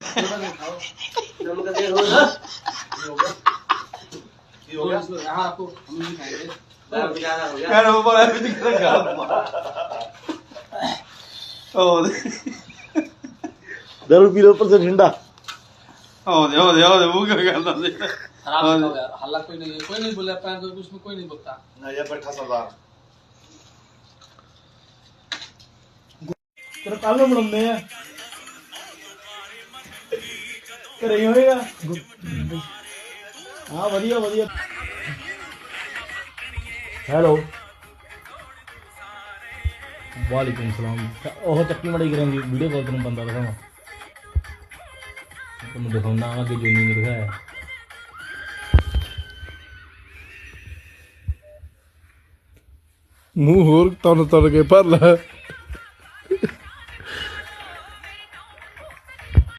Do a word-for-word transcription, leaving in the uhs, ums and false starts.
नमक देर हो ना ये हो गया यहाँ आपको हम नहीं खाएंगे दाल ज्यादा हो गया यार वो बोला भी दिख रहा ओ दारू पी लो ऊपर से ठंडा ओ दे ओ दे ओ दे वो क्या करता है खराब हो गया हल्ला कोई नहीं कोई नहीं बोला पैन तो उसमें कोई नहीं बोलता ना ये बैठा सरदार तेरा कल ਨੂੰ ਬਣਾਉਂਦੇ ਆ ਘਰੇ ਹੀ ਹੋਏਗਾ ਹਾਂ ਵਧੀਆ ਵਧੀਆ ਹੈਲੋ ਵਾਲੇਕੁਮ ਸਲਾਮ ਉਹ ਚੱਕੀ ਮੜਾਈ ਕਰਾਂਗੀ ਵੀਡੀਓ ਕਾਲ ਤੈਨੂੰ ਬੰਦਾ ਦਿਖਾਵਾਂ ਤੁਹਾਨੂੰ ਦਿਖਾਉਣਾ ਅੱਗੇ ਜੋਨੀ ਨੇ ਦਿਖਾਇਆ ਮੂੰਹ ਹੋਰ ਤਨ ਤਨ ਕੇ ਭਰ ਲੈ